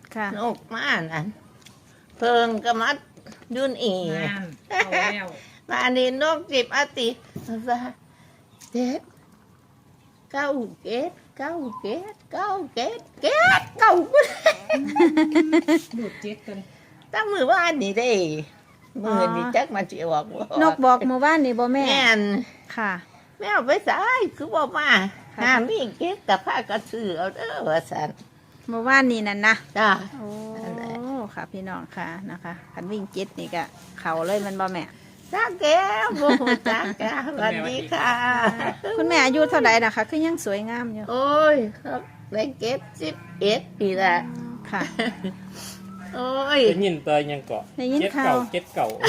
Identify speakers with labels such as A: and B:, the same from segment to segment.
A: ค่ะ
B: นกมานั่นเพิงก็มาดุนอี
C: เอาแล้ว
B: มาอันนี้นกจิบอาติว่าเจ็ดเก้าเกตเก้าเกตเก้าเกตเกตเก้า
C: ดูดเจ็ดกัน
B: ตั้งมือว่าอันนี้ได้มือนี่จักมาจีบอก
A: นกบอกเมื่อวานนี่บ่แม่
B: แม่น
A: ค่ะ
B: แม่เอาไปสายคือบอกมา
A: ค่ะ
B: หามีเกตกับผ้ากระสือเอาเด้อว่าสัน
A: เมื่อวานนี่นั่นนะ
B: จ้า
A: โอ้
B: นั่นแหละ
A: ค่ะพี่น้องค่ะนะคะคันวิ่งเจ็ดนี่ก็เขาเลยมันบ่แม่
B: จ้าแก้วโมโหจ้าแก้วสวัสดีค่ะ
A: คุณแม่อายุเท่าใดนะคะคือยังสวยงามอยู่
B: โอ้ยครับได้เก็บ11ปีละ
A: ค่ะ
B: โอ้ย
D: ได้ยินตัวยังเกาะ
A: ได้ยิน
D: เจ็ด
A: ข่า
D: เก่าว เจ็ดเก่าน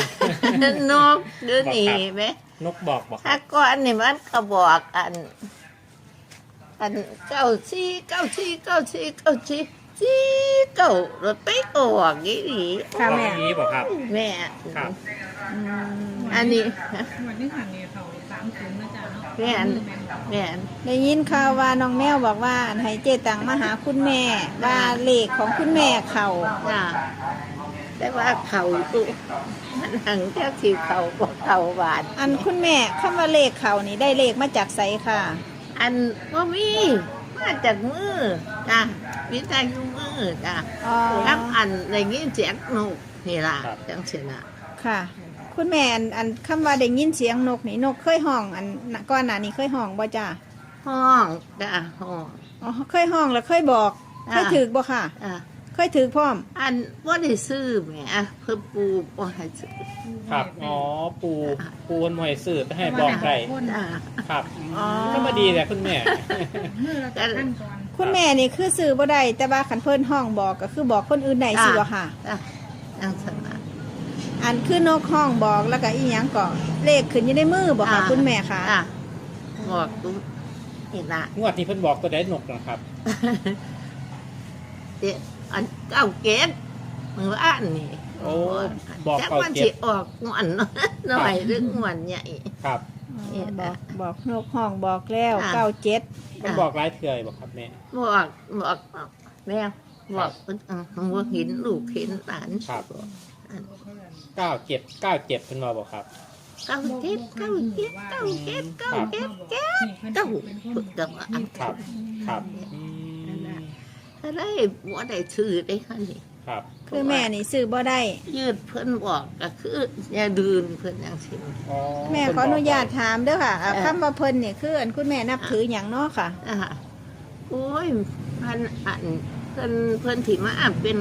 B: กดูนี่ไหม
D: นกบอกบอก
B: ถ้าก่อนนี่มันก็บอกอันเก้าสี่เก้าสี่เก้าสี่เก้าสี่สี่เก้ารถไปออกยี่หลี
A: ค่ะแม่
D: บอกนี้บอกครับ
B: แม่
D: ครับ
A: อืม
B: อันนี้
C: วันนี้หันเนี่ยเขา30นะจ๊ะเนาะ
B: แม่นแม่น
A: ได้ยินข่าวว่าน้องแมวบอกว่าให้เจตังมาหาคุณแม่ว่าเลขของคุณแม่เขา
B: จ้าแต่ว่าเขาตุมันหังแค่สีเขาบอกเขาหวาน
A: อันคุณแม่คำว่าเลขเขานี่ได้เลขมาจากไสค่ะ
B: อันว่ามีมาจากมือจ้ะวิจัยอยู่มือจ้ะ
A: อ๋อ
B: รับอันในงี้เสียงนกนี่ล่ะจังเสียนะ
A: ค่ะ คุณแม่อันคำว่าได้ยินเสียงนกนี่นกเคยห้องอันก่อนหน้านี้เคยห้องบ่จ้า
B: ห้องจ้ะห้อง
A: อ๋อเคยห้องแล้วเคยบอกเคยถือบ่ค่ะ
B: อ่ะ
A: เคยถือพร้อม
B: อันว่าได้ซื้อแหมเพิ่มปูบ่ให้ซื้อ
D: ครับอ๋อปูคนหมวยสื่อให้บอกได้
B: จ้ะ
D: ครับ
A: อ๋อ
D: ก็มาดีแหละคุณแม่
C: มือละขั้นก่อน
A: คุณแม่นี่คือซื้อบ่ได้แต่ว่าขันเพิ่นห้องบอกก็คือบอกคนอื่นได้สิบ่ค่ะ
B: จ้ะจังสนะ
A: อันคือนกห้องบอกแล้วก็อีหยังก็เลขขึ้นอยู่ในมือบ่ค่ะคุณแม่ค่ะ
B: จ้ะบอกกูนี่ล่ะ
D: งวดนี้เพิ่นบอกตัวได้นกนะครับ
B: เดี๋ยวอันเก้าเกตมืออ่านนี่
D: โอ้บอก
B: จัก
D: เก่า
B: มัน
D: เจ็
B: สิ
D: ด
B: ออกงอนหน่อยหรืองอนใหญ่
D: ครับ
A: บอกนกห้องบอกแล้ว
B: อ่า
A: 97
D: เพิ่นบอกหลายเทื่อยบอกครับแม่
B: บอกแม่บอกว่าเห็นลูกเห็นหลาน
D: ครับ
B: อัน
D: 97เพิ่นมาบอกครับ
B: เก้าเจ็ดเก้าเจ็ดเก้าเจ็ดเก้าเจ็ดเก้าเก้าฝึกกับอัน
D: ครับครับอืม
B: อะไรบัวได้ชื่อได้ค่ะนี่
D: ครับ
A: คือแม่นี่ซื้อบ่ได้
B: ยืดเพิ่นบอกก็คืออย่าดืนเพิ่นอย่างสิ
D: อ๋อ
A: แม่ขออนุญาตถามเด้อค่ะคำว่าเพิ่นนี่คืออันคุณแม่นับถือหยังเนาะค่ะ
B: อ่าโอ้ยมันอันเพิ่นที่มาเป็น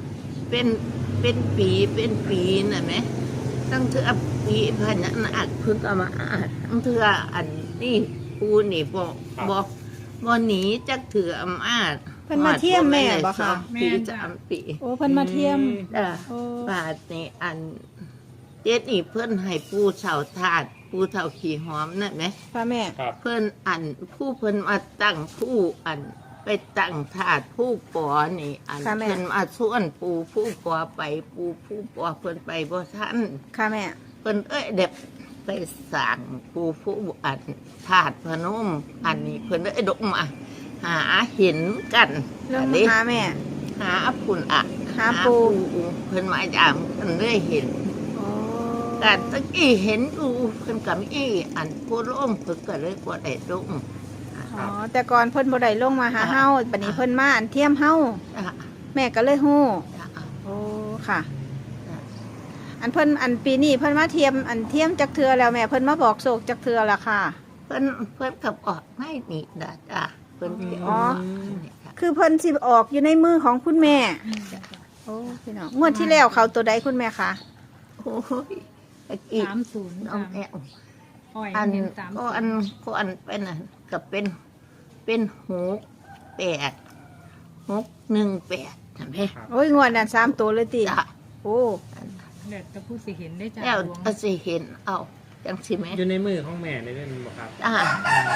B: เป็นปีน่ะไหมตั้งเทื่อปีพันนั้นอัดเพิ่นก็มาอัดตั้งเทื่ออันนี่ปูนี่บ่หนีจักเถื่ออำอาจ
A: เพิ่นมาเที่ยมแม่บ่คะ
B: ปี3 ปี
A: โอ้เพิ่นมาเทียม โอ้
B: บาทนี่อันเจ็ดนี่เพิ่นให้ปูเสาถาดปูเสาขี่หอมนั่นไหม
A: ค่ะแม่
D: ครับ
B: เพิ่นอันผู้เพิ่นมาตั้งผู้อันไปตั้งถาดผู้ปอนี่ อัน
A: ค่ะแม่
B: เพิ่นมาส่วนปูผู้ปอไปปูผู้ปอเพิ่นไปบ่ทัน
A: ค่ะแม่
B: เพิ่นเด็บไปสั่งปูผู้อันถาดพนม อันนี้เพิ่นดกมาหาเห็นกัน
A: ลง
B: อัน
A: มา
B: นี้
A: หาแม่
B: หาพุ่นอ่ะ
A: หาปู
B: เพิ่นมาจามเพิ่นได้เห็น
A: โอ้
B: แต่ตะกี้เห็นอยู่เพิ่นกับอีอันผู้ร่มเพิ่นก็เลยบ่ได้ร่ม
A: อ๋อแต่ก่อนเพิ่นบ่ได้ลงมาหาเฮาบัดนี้เพิ่นมาอันเทียมเฮา
B: อ่ะ
A: แม่ก็เลยฮู้
B: อ่ะ
A: โอ้ค่ะ อันเพิ่นอันปีนี้เพิ่นมาเทียมอันเทียมจักเทือแล้วแม่เพิ่นมาบอกโศกจักเทือละค่ะ
B: เพิ่นกับออกไม่นี่จ้ะเพิ่นสิอ
A: อ๋อ
B: อกนี่ค่ะ
A: คือเพิ่นสิออกอยู่ในมือของคุณแม่ โอ้พี่น้องงวดที่แล้วเขาตัวใดคุณแม่คะ
B: โอ้ยตะกี้
C: 30
B: น้องแอว
C: อ้อย
B: อัน
C: เห็น
B: ก็อันเป็นน่ะก็เป็น618ใช่ไหม
A: โอ้ยงวดนั้น3ตัวเลยติ
B: จ้ะ
A: โอ้
C: เด็ดจะพูดสิเห็นได้จ้ะ
B: แล้ว
C: ดวง
B: เอาสิเห็นเอาจังสิแม่
D: อยู่ในมือของแม่ในเรื่องนี้บอกครับ
B: จ้า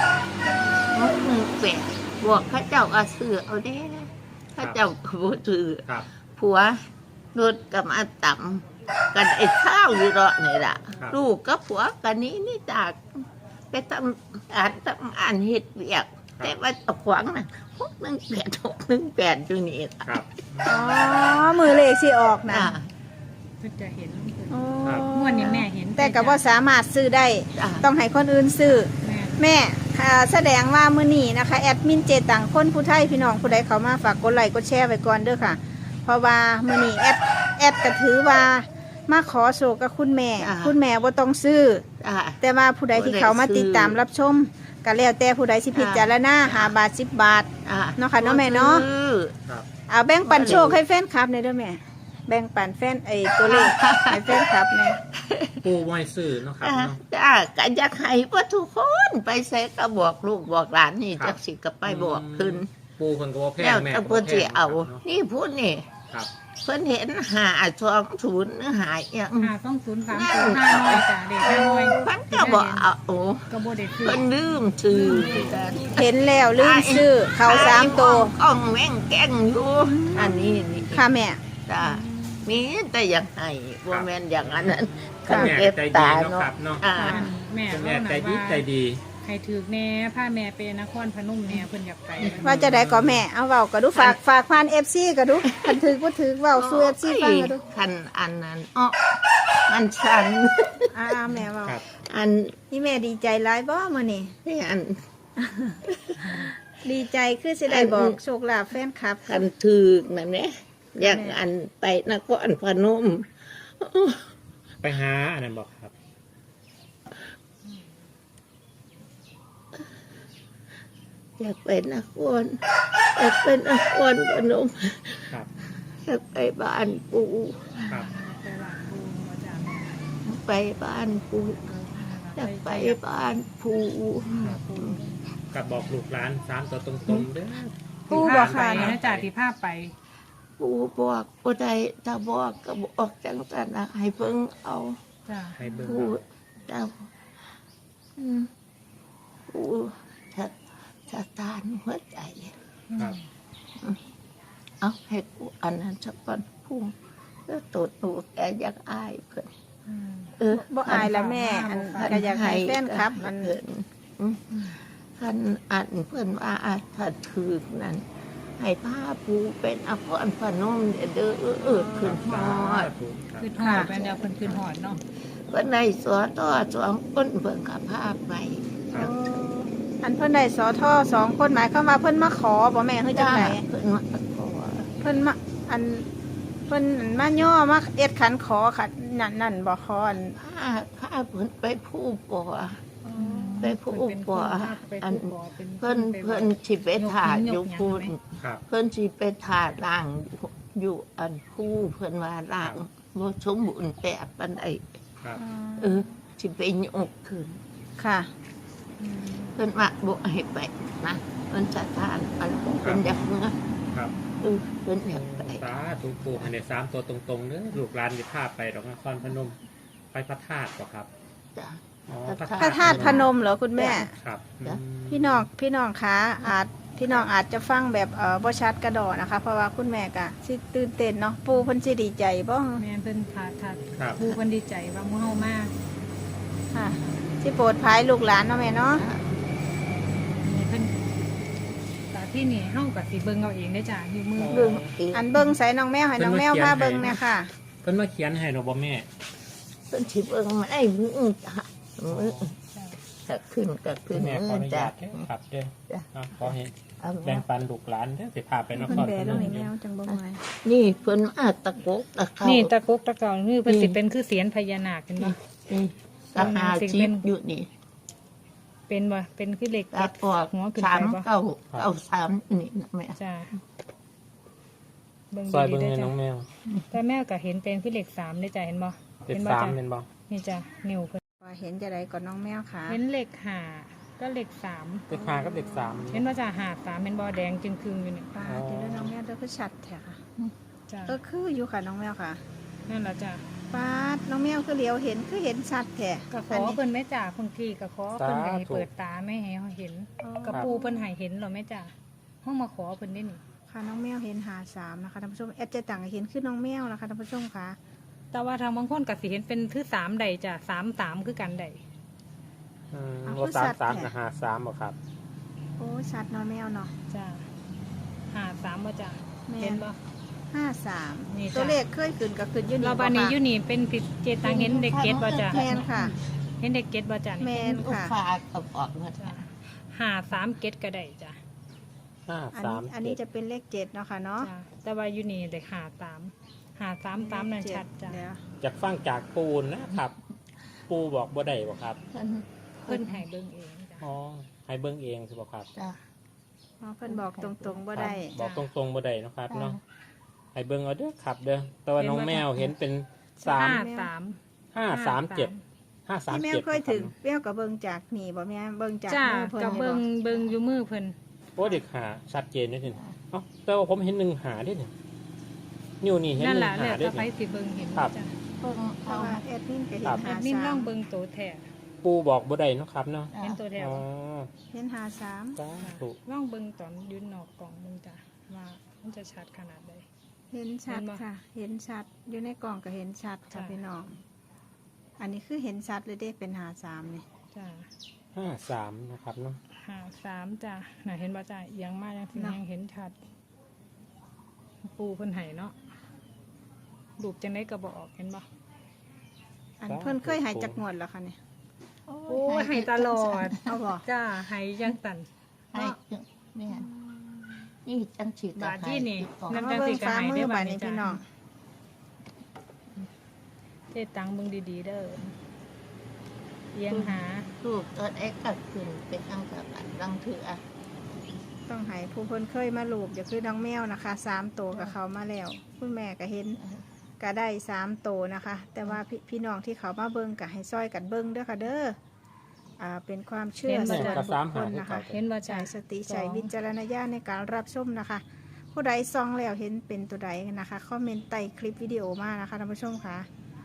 B: 618บวกเข้าเจ้าก็ซื้อเอาเด้เข้าเจ้าก็บ่ซื้อ
D: ครับ
B: ผัวรถกับมาต่ำกันไอ้ข้าวอยู่รอนี่ล่ะ
D: ครับ
B: ลูกกับผัวกันนี้นี่จากไปทำอ่านเห็ดเวียกแต่ว่าเอาขวางน่ะ618อยู่นี่
D: ครับ
A: อ๋อมือเลขสิออกนะ
B: จ้า
C: เพิ่นจะเห็น
A: โอ้
C: งวดนี้แม่เห็น
A: แต่ก็บ่สามารถซื้อได้
B: จ้า
A: ต้องให้คนอื่นซื้อ
C: แม่
A: แม่แสดงว่ามื้อนี้นะคะแอดมินเจตังคนผู้ไทยพี่น้องผู้ใดเขามาฝากกดไลค์กดแชร์ไว้ก่อนเด้อค่ะ เพราะว่ามื้อนี้แอดก็ถือว่ามาขอโศกกับคุณแม่ คุณแม่บ่ต้องซื้อ
B: จ้า
A: แต่ว่าผู้ใดที่เขามาติดตามรับชมก็แล้วแต่ผู้ใดสิพิจารณา5 บาท 10 บาท
B: จ้า
A: เนาะค่ะเนาะแม่เนาะ
B: ซื้อ
D: ครับ
A: เอาแบ่งปันโชคให้แฟนคลับหน่อยเด้อแม่ แบ่งปันแฟนตัวเลขให้แฟนคลับแน่
D: ปูห้วยซื่อเนาะครับ
B: จ้า
D: เนาะ
B: จ้าก็อยากให้ว่าทุกคนไปใส่ก็บอกลูกบอกหลานนี่
D: ครับ
B: จักสิก็ไปบอกขึ้น
D: ปูคนก็บ่แพง
B: แล้ว
D: แม่
B: แต่
D: ก็
B: เพิ่
D: บ่
B: น
D: แพ
B: สิ
D: ง
B: เอา
D: นาะ
B: นี่พูดนี่
D: ครับ
B: เพิ่นเห็น520หรือหายอย่าง
C: 52030 500จ้ะเด็ก500
B: มันก็บอกเอาโอ้
C: ก็บ่ได้ซื้อ
B: เพิ่นลืมชื่อกัน
A: เห็นแล้วลืมซื้อเขา3ตัว
B: กล้องแม่งแกล้งอยู่อันนี้นี่
A: ค่ะแม่
B: จ้ามีแต่อยากให้บ่แม่นอย่างนั้น
A: ค่ะ
D: แม่
B: เก็บ
D: ใจดี
B: ตา
D: เนาะ
B: เนาะ
D: ครับเนาะ
B: อ่า
C: แม่
D: คุณ
C: เล่า
D: แม่
C: ห
D: ใจ
C: น่อย
D: ดี
C: ว่า
D: ใจดี
C: ให้ถือแน่พาแม่ไปนครพนมแน่เพิ่นอยากไป
A: ว่าจะได้ก็แม่เอาเว้าก็ดูฝากผ่าน FC ก็ดูคันถือบ่ถือเว้าสู่ FC ฟังก็ดู
B: คันอันนั้นอ้อมันชัน
A: แม่เว้า
D: ครับ
B: อัน
A: นี่แม่ดีใจหลายบ่มื้อนี้
B: นี่อัน
A: ดีใจคือสิได้บอกโชคลาภแฟนคลับ
B: คันถือแบบนี้อยากอันไปนครพนม
D: ไปหาอันนั้นบอกครับ
B: อยากไปนครอยากไปนครพนม
D: ครับ
B: อยากไปบ้านปู
D: ครับ
C: ไปว่าปูบ่จ้ะ
B: ไปบ้านปูอยากไปบ้านปู
D: กับบอกลูกหลาน3ตัวตรงๆเด้อ
A: ปูบ่ค่ะ
C: ไปนะจ้ะที่พาไป
B: ปูบอกบ่ได้ถ้าบอกก็บอกจังสันนะให้เพิ่งเอา
C: จ้ะ
D: ให้เบิ่ง
B: ปูเจ้าปูสถานหัวใจ
D: ครับ
B: เอาให้กูอันนั้นสักก่อนพุ่งแล้วตัวหนูแกอยากอายเพิ่น
A: บ่อายละแม่อันก็อยากให้แฟนคลับอัน
B: เพิ่นคันอันเพิ่นว่าอาจถ้าถือนั้นให้ผ้าปูเป็นอภรพนมเด้อขึ้นฮอด
C: ขึ้นหอดเป็นเดียวเพิ่นขึ้นหอดเนาะ
B: เพิ่นในสอต่อ2คนเพิ่นก็พาไป
D: ครับ
A: อันเพิ่นได้สอทอ2คนหมายความว่าเพิ่นมาขอบ่แม่เฮ้ยจังได
B: เพิ่นมาขอ
A: เพิ่นมาอันเพิ่นมาย่อมาเอ็ดขันขอค่ะนั่นบ่ขออัน
B: พาเพิ่นไปผู้ปอไปผู้ปออันเพิ่นสิไปถ่ายอยู่พุ่น
D: ครับ
B: เพิ่นสิไปถ่ายร่างอยู่อันผู้เพิ่นว่าร่างบ่สมบูรณ์แบบปานใด
D: ครับ
B: สิไปยกขึ้น
A: ค่ะ
B: เพิ่นว่าบ่ให้ไปนะเพิ่นสถานอันเพิ่นอยากเมื่อ
D: ครับ
B: เพิ่นอยากไป
D: สาธุปูให้ได้3ตัวตรงๆเด้อลูกหลานจะพาไปดอกนครพนม ไปพระธาตุบ่ครับ
B: จ้ะ
D: อ๋อ
A: พระธาตุพนมเหรอคุณแม่
D: ครับ
B: จ้ะ
A: พี่น้องคะพี่น้องอาจจะฟังแบบบ่ชัดกระดอนะคะ เพราะว่าคุณแม่ก็สิตื่นเต้นเนาะปู่เพิ่นสิดีใจบ่
C: แม่เพิ่นพา
D: ครับ
C: ปูเพิ่นดีใจว่าหมู่เฮามาก
A: ค่ะสิโปรดภายลูกหลานเนาะแม่เนาะ
C: นี่เพิ่นแต่ที่นี่เฮาก็สิเบิ่งเอาเองได้อจ้ะอยู่มือ
B: เบิ่งอีก
A: อันเบิ่งใส่น้องแมวให้น้องแมวพาเบิ่งเนี่ยค่ะ
D: เพิ่นมาเขียนให้ดอกบ่แม่
B: เพิ่นสิเบิ่งมาไอ้มือจ้ะมือก็ขึ้นก็ขึ้น
D: แม่ขออนุ
B: จ้ะ
D: ญาตเด้อครับเด้อ
B: จ้ะ
D: ขอให้
B: เอา
D: แบ่งปันลูกหลานเด้อสิพาไปนค
A: เพิ่น
D: ร
A: แบ
D: พน
A: ลง
D: ม
A: ให้แมวจังบ่ไหว
B: นี่เพิ่นมาตะกกตะเข้า
C: นี่ตะกุกตะเกานี่เพิ่นสิเป็นคือเสียนพญานาคเห็นบ่
B: นี่ตะหาชีพอยู่นี่
C: เป็นบ่เป็นคือเหล็ก
B: ตะปอก
C: หัวขึ้น
B: สา
C: ไป
B: ม
C: บ่
B: เก้าสามนี่นะแม่
C: จ้ะเบิ่ง
D: ซอย
C: ดี
D: เบิ่ง
C: ๆเด้อ
D: ให้น้
C: จ้ะ
D: องแมว
C: แต่แม่ก็เห็นเป็นคือเหล็ก3ได้อจ้ะเห็นบ่
D: เป็น
C: บ่
D: 3
C: จ้ะ
D: เป็นบ่
C: นี่จ้ะนิ้วเพิ่น
A: ว่าเห็นจะได้ก่อนน้องแมวค่ะ
C: เห็นเหล็ก5ก็เหล็ก3
D: เด็ก5กับเด็ก3
C: เห็นว่าจ้ะ5 3เป็นบ่แดงจึงครึ่งอยู่นี่
A: ป้าเดี๋ยวน้องแมวเด้อคือชัดแท้ค่ะ
C: จ้ะ
A: คืออยู่ค่ะน้องแมวค่ะ
C: นั่นล่ะจ้ะ
A: ป้าดน้องแมวคือเหลียวเห็นคือเห็นชัดแท้
C: ก็ขอเพิ่นแม่จ้ะบางทีก็ขอเพิ่นก็ให้เปิดตาไม่ให้เห็นกระปูเพิ่นให้เห็นเหรอแม่จ้ะห้องมาขอเพิ่นได้นี่
A: ค่ะน้องแมวเห็น53นะคะท่านผู้ชมแอดเจะต่างเห็นคือน้องแมวนะคะท่านผู้ชมค่ะ
C: แต่ว่าทางบางคนก็สิเห็นเป็นคือ3ใดจ้ะ3 3คือกันใด
D: รถ3 3กับ5 3บ่ครับ
A: โอ้ชัดเนาะแมวเนาะ
C: จ้า53บ่จ้า
A: แม่น
C: เห็นบ่
A: 53
C: นี่จ้ะ
A: ตัวเลขเคยขึ้นก็ขึ้นอยู่นี่
C: เราบานนี้
A: ค่ะ
C: อยู่นี่เป็นติดเจตังเห็นเด็กเกตบ่จ้า
A: แม่นค่ะ
C: เห็นเด็กเกตบ่จ้า
A: แม่
C: นี่
A: น
B: ลูก
A: ค่ะ
B: ฟ้าก็บอกว่า
C: จ้า53เกตก็ได้จ้า
A: อันนี้จะเป็นเลข7เนาะค่ะเนาะ
C: จ้าแต่ว่าอยู่นี่เด็ก53นั่นชัดจ้า
A: เดี๋ยว
D: จากฟังจากปูนนะครับ ปูบอกบ่ได้บ่ครับ
C: เพิ่นให้เบิ่งเองจ้า
D: อ๋อให้เบิ่งเองสิบ่ครับ
B: จ้ะ
A: อ๋อเพิ่นบอกตรงๆบ่ได้
D: บอกตรงๆบ่ได้เนาะครับเนาะให้เบิ่งเอาเด้อครับเด้อแต่ว่าน้องแมวเห็นเป็น
C: 53
D: 3 537
A: ที่แมวเคยถึงแมวกับเบิ่งจากนี่บ่แม่เบิ่งจาก
C: จ้า
A: มือเพิ่น
C: กับ
A: นี่
C: เบิ่งอยู่มือเพิ่น
D: โอ้เด็กหาชัดเจนนิดนึงเอ้าแต่ว่าผมเห็น1หาด้วยนี่นิ้วนี่เห็น
C: นั่น
D: 1
C: ล่ะ
D: หา
C: แล้ว
D: ด้ว
C: ถ้าย ไป
D: นี่
C: สิเบิ่งเห็น
D: ครับ
C: จ้า
B: เพิ่ง
A: เพ
B: เอา
A: ราะว่าแอดมินก็เห็น
D: ครับ
C: แอ
A: หา
C: ดมินลอง
A: 3
C: เบิ่งโตแท้
D: ปูบอกบ่ได้เนาะครับเนาะ
C: เห็นตัวแท้
D: อ๋อ
C: บ่
A: เห็นหา3
D: สาธุ
C: ลองเบิ่งตอนยืนนอกกล่องเบิ่งจ้าว่ามันจะชัดขนาดใด
A: เห็นชัด
C: เห็นบ่
A: ค่ะ เห็นชัดอยู่ในกล่องก็เห็นชัดค่ะ
C: จ้ะ
A: พี่น้อง อันนี้คือเห็นชัดเลยเด้เป็นหา3นี่
C: จ้า
D: 53นะครับเนาะ
C: 53จ้าน่ะเห็นบ่จ้าเอียงมากยังสิยังเห็นชัด ปูเพิ่นให้เนาะรูปจังได๋ก็บ่ออกเห็นบ่
A: อันเพิ่นเคยใหายจากงวดแล้วค่ะเนี่ย
C: โอ้ยให้ตลอด
A: เอาบ่
C: จ้าให้ยังตัน
B: ให้เนี่ยนี่จังสิ
C: บาทที่นี่
A: นำจังสิกระหายได้บ่นี้พี่น้อง
C: เฮ็ดตังเบิ่งดีๆเด้อเอียงหา
B: ลูกตัวเอ็กก็ขึ้นเป็นอังกับอันรังเถือ
A: ต้องให้ผู้เพิ่นเคยมาลูกอย่าคือน้องแมวนะคะ3ตัวกับเขามาแล้ว คุณแม่ก็เห็นก็ได้3ตัวนะคะ แต่ว่าพี่น้องที่เขามาเบิ่งก็ให้ซอยกันเบิ่งเด้อค่ะเด้อเป็นความเชื่อส่วนบุคคลนะคะ
C: เห็นบ่จ้า
A: ใช้สติใช้วิจารณญาณในการรับชมนะคะ ผู้ใดซองแล้วเห็นเป็นตัวใดนะคะคอมเมนต์ใต้คลิปวิดีโอมานะคะท่านผู้ชมค่ะ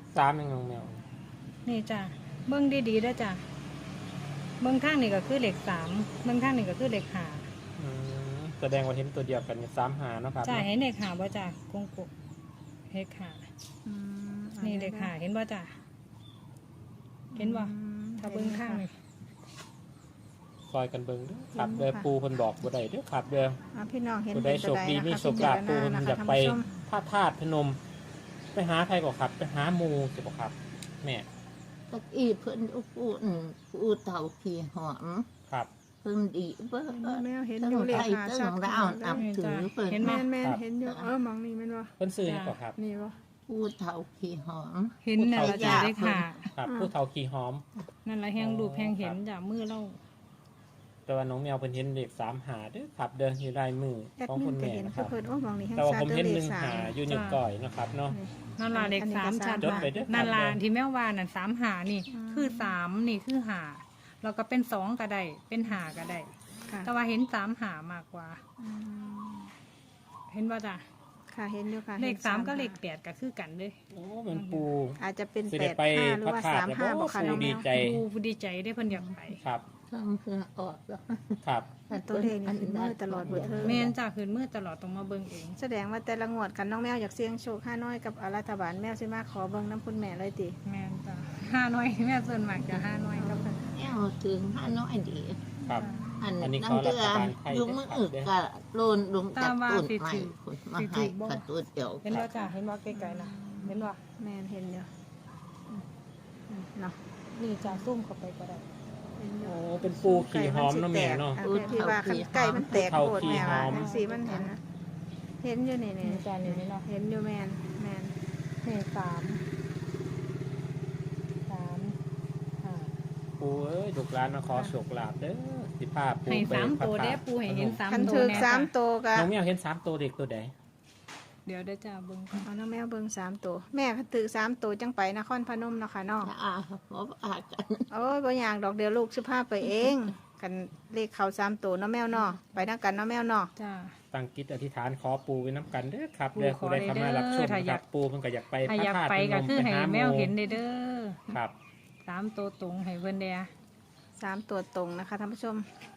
D: 3ยังน้องแมว
C: นี่จ้าเบิ่งดีๆเด้อจ้าเบิ่งข้างนี่ก็คือเลข3เบิ่งข้างนี่ก็คือเลข5
D: แสดงว่าเห็นตัวเดียวกันเนี่ย3หาเนาะครับ
C: จ้าเห็นเลข5บ่จ้ากงกุเลข5 นี่เลข5เห็นบ่จ้าเห็นบ่ถ้าเบิ่งข้างนี่
D: ซอยกันเบิ่งเด้อครับเด้อปูเพิ่นบอกบ่ได้เด้อครับเด้อ
A: พี่น้องเห็น
D: ผู้ใด
A: เป็น
D: โช
A: ตัว
D: ค
A: ใด
D: ดีมี
A: นะคะ
D: โชคลาภปู
A: พิ
D: เพิ่น
A: จารณ
D: อยากไป
A: นะคะท่านผู้ชม
D: พระธาตุพนม ไปหาใครก็ครับ ไปหาหมู่สิบ่ครับแม่
B: ตะกี้เพิ่นพูดเต่าขี่หอม
D: ครับ
B: เพิ่นดีเบิ่ง
A: แมวเห็น
B: ตั้ง
A: อยู่เล
B: ไท
A: ข
B: ย
A: หา
B: ตั้
A: ชัด
B: งเรานับถือเพิ่น
C: เห็นไหม
A: แม่นเห็นอยู่มองนี่แม่นบ่
D: เพิ่นซื้อหยังก็ครับ
A: นี่บ่
B: พูดเต่าขี่หอม
C: เห็นนั่นละจ้าเลข
D: ครับ ผู้เฒ่าขี่หอม
C: 5นั่นละแหงรูปแหงเห็นจ้ามือเรา
D: แต่ว่าน้องแมวเพิ่นเห็นเลข3หาเด้อครับเด้ออยู่ลายมือ
A: แอด
D: ของ
A: มิ
D: คุ
A: น
D: ณ
A: ก็
D: แม่
A: เห็น
D: นะค
A: คือ
D: รับ
A: เพิ่นมองนี่แฮง
D: แต่ว่า
A: ชัด
D: ผม
A: เด้
D: เห็
A: อน เลข
D: 1หา
A: 3
D: อยู่นิ้วก้อยนะครับเนาะ
C: นั่นละเลข3ชัด
D: จด
C: ว่า
D: ไปเด้อครับ
C: นั่นละที่แม่ว่านั่น3หานี่คือ3นี่คือ5แล้วก็เป็น2ก็ได้เป็น5ก็ได้
A: ค่ะ
C: แต่ว่าเห็น3หามากกว่า เห็นบ่จ้า
A: ค่ะเห็นอยู่ค่ะ
C: เลข
A: ห็น
C: 3ก็เลข8ก็คือกันเลย
D: โอ้มันปู
A: อาจจะเป็น
D: สิได้ไป
A: 85หรือว่า
D: พระธาตุ
A: 35บ่ค่ะ
D: แล้ว
A: น้องแม
D: ดี
A: ว
D: ใจ
C: ดูดีใจได้เพิ่นอยากไป
D: ครับ
B: ทั้งเพื่อออกแล้ว
D: ครับ
A: ตัวเลขนี่ขึ้นมือตลอดเบิดเทอม
C: แม่นจ้าคืนมืดตลอดต้องมาเบิ่งเอง
A: แสดงว่าแต่ละงวดกันน้องแมวอยากเสี่ยงโชค5น้อยกับรัฐบาลแมวสิมาขอเบิ่งน้ำคุณแม่เลยติ
C: แม่นจ้า5น้อยแม่ส่วนมากจะ5น้อยกับ
B: แอวถึงห้าน้อยดี
D: ครับ
B: อัน
D: อันนี้
B: นั่
D: เขา
B: งเดือ
D: รัฐบาลไทย
B: ยุงมืออึกกะโลนลุงจับตุ่นใหม่คุณมาให้กระตุนเดียว
C: เห็นบ่จ้าเห็นบ่ไกลๆนะเห็นบ่
A: แม่นเห็นอยู่เนาะ
C: นี่จ้าซุ่มเข้าไปก็ได้
A: เห็นอยู่
D: โอ้เป็นปูขี่หอมเนาะแม่เนาะ
A: ที่ว่าคันไก่มันแตก
D: เท่า
A: โคตร
D: ขี้
A: แม่ว่า
D: หอม
A: จังซี่มันเห็นนะเห็นอยู่นี่
C: นี่จ้านี่เนาะ
A: เห็นอยู่แม่น
C: นี่3
D: ปูเอ้ยลูกหลานมาขอโชคลาภเด้อสิพาปู
C: ให้
D: ไป
C: 3ตัว
D: พระธา
C: เด้
D: ตุ
C: ปูให้เห็น
D: พนม
C: 3
A: คัน
C: ตัว
A: ถึก
C: แน่
A: 3ตัวก็
D: น้องแมวเห็น3ตัวเด็กตัวใด
C: เดี๋ยวเด้อจ้าเบิ่งก่อน
A: เอาน้องแมวเบิ่ง3ตัวแม่คันถึก3ตัวจังไปนครพนมเนาะค่ะเนาะ
B: จะอาเพราะอากัน
A: โอ้ยบ่อยากดอกเดียวลูกสิพาไปเองกันเลขเขา3ตัวเนาะแมวเนาะไปนำกันเนาะแมวเนาะ
C: จ้า
D: ตั้งจิตอธิษฐานขอปูไว้น้ำกันเด้อครับ
C: ปู่
D: เด้อ
C: ขอ
D: ผู้ใดเข้ามารับชม
C: เด้อถ้า
D: ค
C: อยา
D: รั
C: ก
D: บปูเพิ่นก็อยากไป
C: ถ้า
D: พระ
C: อยาก
D: ธาตุ
C: ไป
D: พน
C: ก็
D: ม
C: คือ
D: ไป
C: ให้
D: หา
C: แมว
D: ห
C: เห็นเด้อ
D: ครับ
C: 3ตัวตรงให้เพิ่นเด้อ
A: 3ตัวตรงนะคะท่านผู้ชม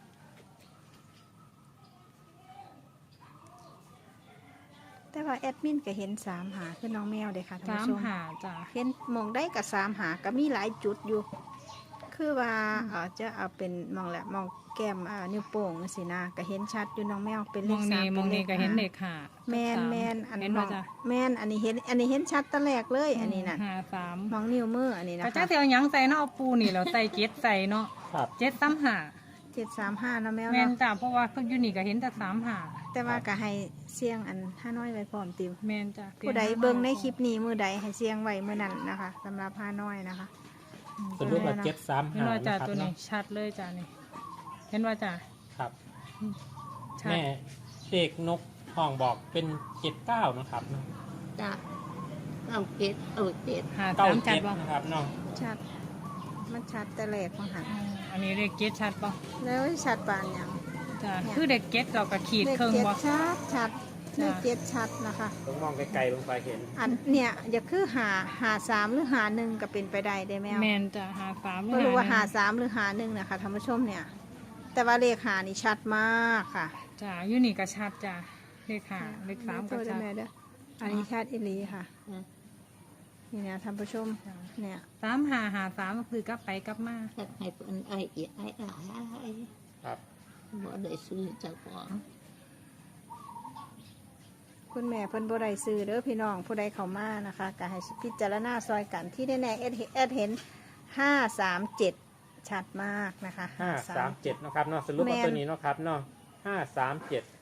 A: แต่ว่าแอดมินก็เห็น3หาคือน้องแมวเด้ค่ะท่านผู้ชม
C: 3หาจ้า
A: เห็นหมองได้กับ3หาก็มีหลายจุดอยู่ คืคือว่าจะเอาเป็นมองแหละมองแก้มนิ้วโป้งสินะก็เห็นชัดอยู่น้องแมวเป็นเล
C: มอ
A: ข
C: ง
A: สา
C: นี่
A: ม
C: มองนี่ก็เห็น
A: 5
C: เลขห้า
A: แม่น
C: กับ
A: แม่น
C: 3
A: อัน
C: เห็น
A: ม
C: บ่
A: อง
C: จ้ะ
A: แม่นอันนี้เห็นชัดตะแรกเลยอันนี้น่ะ
C: 53
A: มองนิ้วมืออันนี้นะ
C: ก็
A: คะ
C: จักสิเอาหยังใส่เนาะเอาปูนี่แล้วใส่เจ็ดใส่เนาะ
D: ครับ
C: 735
A: 735นะแมว
C: แม่น
A: เนาะ
C: จ้ะเพราะว่าเพิ่นอยู่นี่ก็เห็นแต่35
A: แต่ว่าก็ให้เสียงอันห้าน้อยไว้พร้อมติว
C: แม่นจ้ะ
A: ผู้ใดเบิ่งในคลิปนี้มือใดให้เสียงไว้มือนั้นนะคะสำหรับห้าน้อยนะคะ
D: สรุปว่า
A: เนาะ
D: เจ็ดสาม
C: เห็น
D: หา
C: ว่าจ้ะ
D: นะครับ
C: ตัวนี้
D: เนาะ
C: ชัดเลยจ้ะนี่เห็นว่าจ้ะ
D: ครับ
C: ชัด
D: แม่เด็กนกห้องบอกเป็น79นะครับเนาะ
B: จ้ะเอาเจ็ดเอาเจ็ด
C: 53ชัด
D: 97
C: บ่
D: นะครับเนาะ
A: ชัดมันชัดแต่แรกของหัน
C: อันนี้เลขเจ็ดชัดบ่
A: แล้วชัดปานหยัง
C: จ้ะ
A: เนี่ย
C: คือเด็กเจ็ดเราก็ขีด
A: เลข
C: เครื่อง
A: เจ็ด
C: บ่
A: ชัดเล
C: จ้ะ
A: ขเจ็ดชัดนะคะ
D: ต้องมองไกลๆลงไปเห็น
A: อันเนี่ยอย่าคือหาสามหรือหาหนึ่งก็เป็นไปได้ได้แมว
C: แม่นจ้ะ53
A: ไม่รู้ว่าหาสามหรือหาหนึ่งนะคะท่านผู้ชมเนี่ย แต่ว่าเลขหานี่ชัดมากค่ะ
C: จ้ะอยู่นี่ก็ชัดจ้ะเลข5เลข3ก็
A: โทษด้
C: ชั
A: วย
C: ด
A: แม่เด้ออันนี้ชัดอีหลีค่ะ
B: อืม
A: นี่นะท่านผู้ชม
C: จ้ะ
A: เนี่ย
C: 3553ก็คือกลับไปกลับมา
B: ถ้าให้เพิ่นไอ้เอียไอ้หลาย
D: ครับ
B: บ่ได้ซื้อเจ้าของ
A: คุณแม่เพิ่นบ่ได้ซื้อเด้อพี่น้องผู้ใดเข้ามานะคะก็ให้พิจารณาซอยกันที่แน่ๆแอดเห็น537ชัดมากนะคะ
D: 537นะครับเนาะสรุปว่าตัวนี้เนาะครับเนาะ537